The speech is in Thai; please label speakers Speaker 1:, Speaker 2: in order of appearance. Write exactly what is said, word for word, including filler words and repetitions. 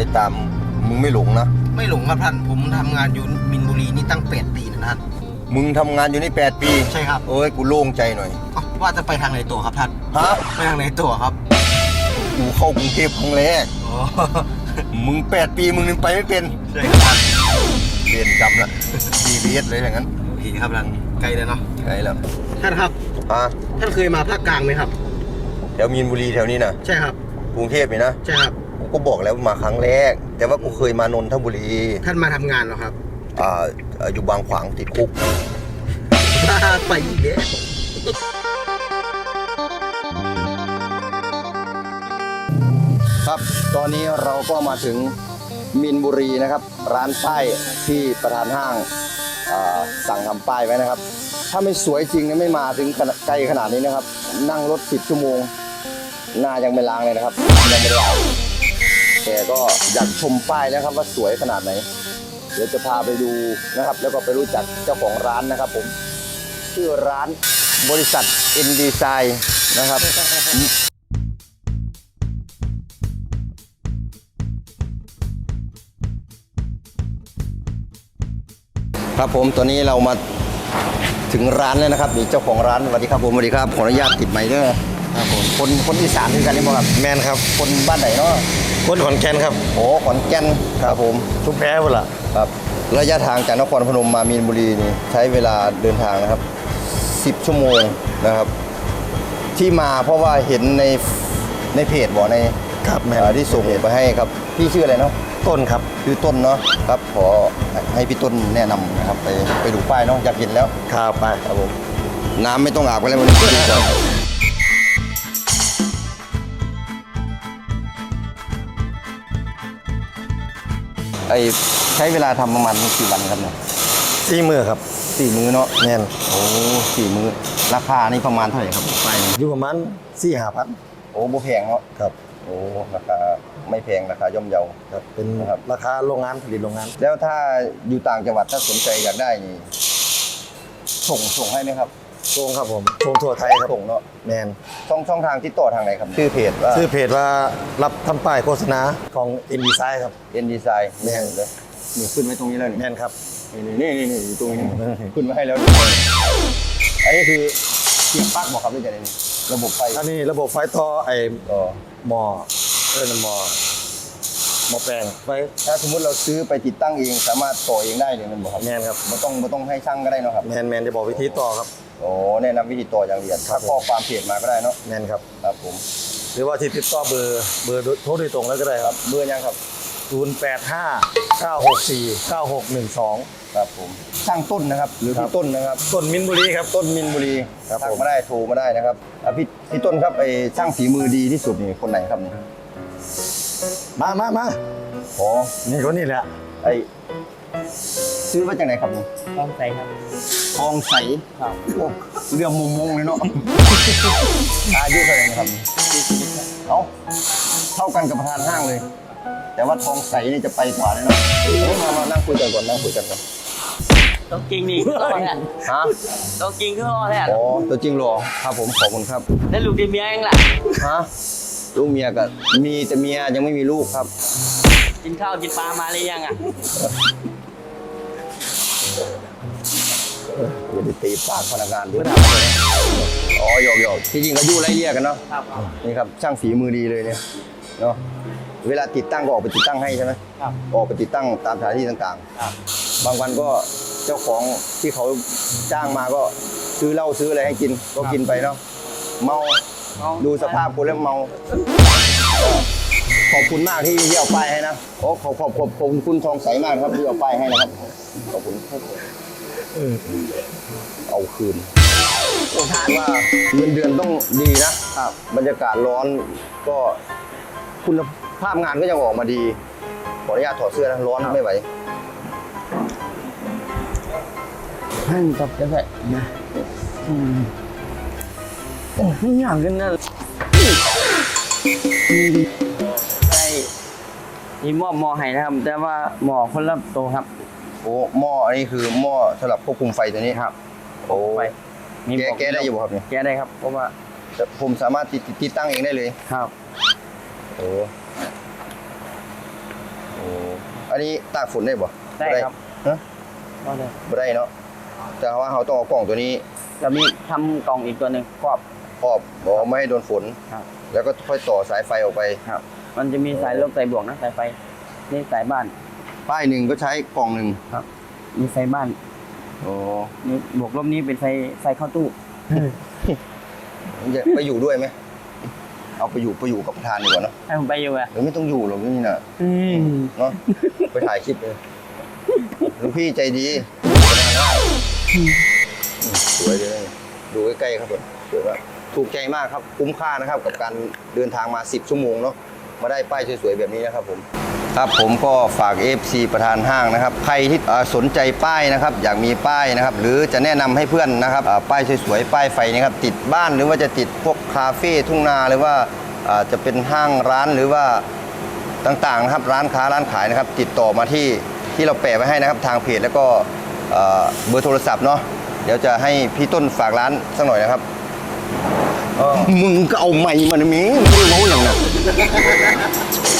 Speaker 1: อ้ตามมึงไม่หลงนะ
Speaker 2: ไม่หลงครับท่านผมทำงานอยู่มินบุรีนี่ตั้งแปดปีนะท่าน
Speaker 1: มึงทำงานอยู่นี่แปดปี
Speaker 2: ใช่ครับ
Speaker 1: เอ้ยกูโล่งใจหน่อย
Speaker 2: ว่าจะไปทางไหนตัวครับท่าน
Speaker 1: ฮะ
Speaker 2: ไปทางไหนตัวครับ
Speaker 1: กูเข้ากรุงเทพครั้งแรกมึงแปดปีมึงนึงไปไม่เป็น
Speaker 2: ใช่ครับ
Speaker 1: เรียนจำละดีเรียสเลยอย่างนั้น
Speaker 2: โอเคครับท่านไกลแล้วเนาะ
Speaker 1: ไกลแล้ว
Speaker 2: ท่านครับ
Speaker 1: ฮะ
Speaker 2: ท่านเคยมาภาคกลางไหมครับ
Speaker 1: แถวมีนบุรีแถวนี้นะ
Speaker 2: ใช่ครับ
Speaker 1: กรุงเทพนี่นะ
Speaker 2: ใช่ครับ
Speaker 1: กูก็บอกแล้วมาครั้งแรกแต่ว่ากูเคยมานนทบุรี
Speaker 2: ท่านมาทำงานเหรอครับ
Speaker 1: อ่าอยู่บางขวางติดคุก
Speaker 2: ไปอีกแล้ว
Speaker 1: ครับตอนนี้เราก็มาถึงมีนบุรีนะครับร้านป้ายที่ประธานห้างสั่งทำป้ายไว้นะครับถ้าไม่สวยจริงเนี่ยไม่มาถึงไกลขนาดนี้นะครับนั่งรถสิบชั่วโมงหน้ายังไม่ล้างเลยนะครับยังไม่ล้างแต่ก็อยากชมป้ายแล้วครับว่าสวยขนาดไหนเดี๋ยวจะพาไปดูนะครับแล้วก็ไปรู้จักเจ้าของร้านนะครับผมชื่อร้านบริษัท N Design นะครับครับผมตอนนี้เรามาถึงร้านแล้วนะครับนี่เจ้าของร้านสวัสดีครับผมสวัสดีครับขออนุญาตติดไมค์ด้วยครับผมคนคนอีสานคือกันนี่บ่ครับ
Speaker 3: แมนครับ
Speaker 1: คนบ้านไหนเนาะ
Speaker 3: คนขอนแก่นครับ
Speaker 1: โอ้ขอนแก่นครับผม
Speaker 3: ชุมแพพุ่นล่ะ
Speaker 1: ครับระยะทางจากนครพนมมามีนบุรีนี่ใช้เวลาเดินทางนะครับสิบชั่วโมงนะครับที่มาเพราะว่าเห็นในในเพจบอกใน
Speaker 3: ครับแม่
Speaker 1: ที่ส่งไปให้ครับพี่ชื่ออะไรเนาะ
Speaker 3: ต้นครับ
Speaker 1: ชื่อต้นเนาะครับขอให้พี่ต้นแนะนำนะครับไปไปดูป้ายเนาะอยากเห็นแล้ว
Speaker 3: ครับไป
Speaker 1: ครับผมน้ำไม่ต้องอาบกันแล้วมันดีกว่าไอใช้เวลาทำประมาณกี่วันครับเนี่ย
Speaker 3: สี่มือครับ
Speaker 1: สี่มือเนาะ
Speaker 3: แน่น
Speaker 1: โอ้สี่มือราคานี่ประมาณเท่าไหร่ครับไป
Speaker 3: อยู่ประมาณสี่ห้าพัน
Speaker 1: โอ้โบแพงเนาะ
Speaker 3: ครับ
Speaker 1: โอ้ราคาไม่แพงราคาย่อมเยา
Speaker 3: ครับเป็นราคาโรงงานผลิตโรงงาน
Speaker 1: แล้วถ้าอยู่ต่างจังหวัดถ้าสนใจอยากได้นี่ส่งส่งให้ไหมครับ
Speaker 3: ส่งครับผมส่งทั่วไทยครับ
Speaker 1: ส่งเนาะ
Speaker 3: แมน
Speaker 1: ช่องช่องทางติดต่อทางไหนครับชื่อเพจว่า
Speaker 3: ชื่อเพจว่ารับทำป้ายโฆษณาของ N Design ครับ
Speaker 1: N Design
Speaker 3: แมน
Speaker 1: เลยนี่ขึ้นไว้ตรงนี้แล้ว
Speaker 3: แมนครับ
Speaker 1: นี่นี่นี่อยู่ตรงนี้ขึ้นมาให้แล้วอันนี้คือเสียบปลั๊กบอกครับนี่จะนี่ระบบไฟ
Speaker 3: อันนี้ระบบไฟต่อไอ้หม้อเออหม้อหม้อแปลงไฟ
Speaker 1: ถ้าสมมติเราซื้อไปติดตั้งเองสามารถต่อเองได้เลยมันบอกครับ
Speaker 3: แมนครับ
Speaker 1: ไม่ต้องไม่ต้องให้ช่างก็ได้เนาะครับ
Speaker 3: แมนแมนจะบอกวิธีต่อครับ
Speaker 1: โอ้แนะนำวิธีต่ออย่างละเอียดถ้าข้อความเพจมาก็ได้เนาะ
Speaker 3: แมนครับ
Speaker 1: ครับผม
Speaker 3: หรือว่าที่ติดต่อเบอร์เบอร์โทรโดยตรงแล้วก็ได้ครับ
Speaker 1: เบอร์ยังครับ
Speaker 3: ศูนย์ แปด ห้า เก้า หก สี่ เก้า หก หนึ่ง สอง
Speaker 1: ครับผมช่างต้นนะครับหรือพี่ต้นนะครับ
Speaker 3: ต้นมินบุรีครับ
Speaker 1: ต้นมินบุรีทักมาได้โทรมาได้นะครับพี่พี่ต้นครับไอ้ช่างฝีมือดีที่สุดนี่คนไหนครับนี่
Speaker 3: มามามา
Speaker 1: อ๋อ
Speaker 3: นี่คนนี้แหละ
Speaker 1: ไอ้ซื้อมาจากไหนครับนี่
Speaker 2: ทองใสครับ
Speaker 1: ทองใสครับเรื่องมุมมงเลยเนาะอายุเท่าไหร่นะครับเอ้าเท่ากันกับประธานห้างเลยแต่ว่าทองใสนี่จะไปกว่าแน่นอนมามานั่งคุยกันก่อนนั่งคุยกันก่อน
Speaker 2: ต้องจริงนี่ก็รอแทน
Speaker 1: ฮะ
Speaker 2: ต้องจริงก็รอแทน
Speaker 1: อ๋อตัวจริงรอครับผมขอบคุณครับ
Speaker 2: ได้ลูกดีเมียเองแหละ
Speaker 1: ฮะลูกเมียก็มีแต่เมียยังไม่มีลูกครับ
Speaker 2: กินข้าวกินปลามาหรือยังอ่ะ
Speaker 1: อย่าไปตีปากพนักงานด้วยอ๋อหยอกหยอกที่จริงก็ยู่ไล่เลี่ยกันเนาะนี่ครับช่างฝีมือดีเลยเนี่ยเนาะเวลาติดตั้งก็ออกไปติดตั้งให้ใช่ไหมออกไปติดตั้งตามสถานที่ต่างๆบางวันก็เจ้าของที่เขาจ้างมาก็ซื้อเหล้าซื้ออะไรให้กินก็กินไปเนาะเมาดูสภาพคนแล้วเมาขอบคุณมากที่ที่เอาป้ายให้นะโอ้ขอบขอบขอบขอบคุณทองใสมากครับที่เอาป้ายให้นะครับขอบคุณเอาคืนผมถามว่าเงินเดือนต้องดีนะบรรยากาศร้อนก็คุณภาพงานก็ยังออกมาดีขออนุญาตถอดเสื้อนะร้อนไม่ไหว
Speaker 2: ให้ตับจะแตะนะโอ้ไม่อยากกันนะใช่มีหม้อหม้อไห้นะครับแต่ว่าหม้อคนละโตครับ
Speaker 1: โอ้หม้ออันนี้คือหม้อสำหรับควบคุมไฟตัวนี้ครับโอ้ไฟแก้แก้ได้อยู่ครับเนี่ย
Speaker 2: แก้ได้ครับเพราะว่า
Speaker 1: ผมสามารถติดติดตั้งเองได้เลย
Speaker 2: ครับ
Speaker 1: โอ้อันนี้ตากฝนได้บ่
Speaker 2: ได้ครับ
Speaker 1: ฮะ
Speaker 2: ก็เลย
Speaker 1: บ่ได้เนาะแต่ว่าเราต้องเอากล่องตัวนี้
Speaker 2: จะมีทำกล่องอีกตัวหนึ่งครอบ
Speaker 1: ครอบบอกไม่ให้โดนฝน
Speaker 2: ครับ
Speaker 1: แล้วก็ค่อยต่อสายไฟออกไป
Speaker 2: ครับ มันจะมีสายลบสายบวกนะสายไฟนี่สายบ้าน
Speaker 1: ป้ายหนึ่งก็ใช้กล่องหนึ่ง
Speaker 2: ครับ มีไฟบ้าน
Speaker 1: โอ้
Speaker 2: นี่บวกลบนี้เป็นไฟไฟเข้าตู้
Speaker 1: จะไปอยู่ด้วยไหมเอาไปอยู่ไปอยู่กับประธานดีกว่าเนาะ
Speaker 2: ให้ผมไปอยู่อะ
Speaker 1: หรือไม่ต้องอยู่หรอกนี่น่ะ
Speaker 2: อืม
Speaker 1: เนาะไปถ่ายคลิปเลยหลวงพี่ใจดีสวยเลยดูใกล้ๆครับผมสวยมากถูกใจมากครับคุ้มค่านะครับ กับการเดินทางมาสิบชั่วโมงเนาะมาได้ป้ายสวยๆแบบนี้นะครับผมครับผมก็ฝาก เอฟ ซี ประธานห้างนะครับใครที่เอ่อสนใจป้ายนะครับ อยากมีป้ายนะครับ หรือจะแนะนำให้เพื่อนนะครับอ่าป้ายสวยๆป้ายไฟนะครับติดบ้านหรือว่าจะติดพวกคาเฟ่ทุ่งนาหรือว่าอ่าจะเป็นห้างร้านหรือว่า ต่างๆนะครับร้านค้าร้านขายนะครับ ติดต่อมาที่ที่เราแปะไว้ให้นะครับทางเพจแล้วก็เอ่อเบอร์โทรศัพท์เนาะเดี๋ยวจะให้พี่ต้นฝากร้านสักหน่อยนะครับมึงก็เอาไม้มานะมิงไม่ได้เมาอย่างนั้น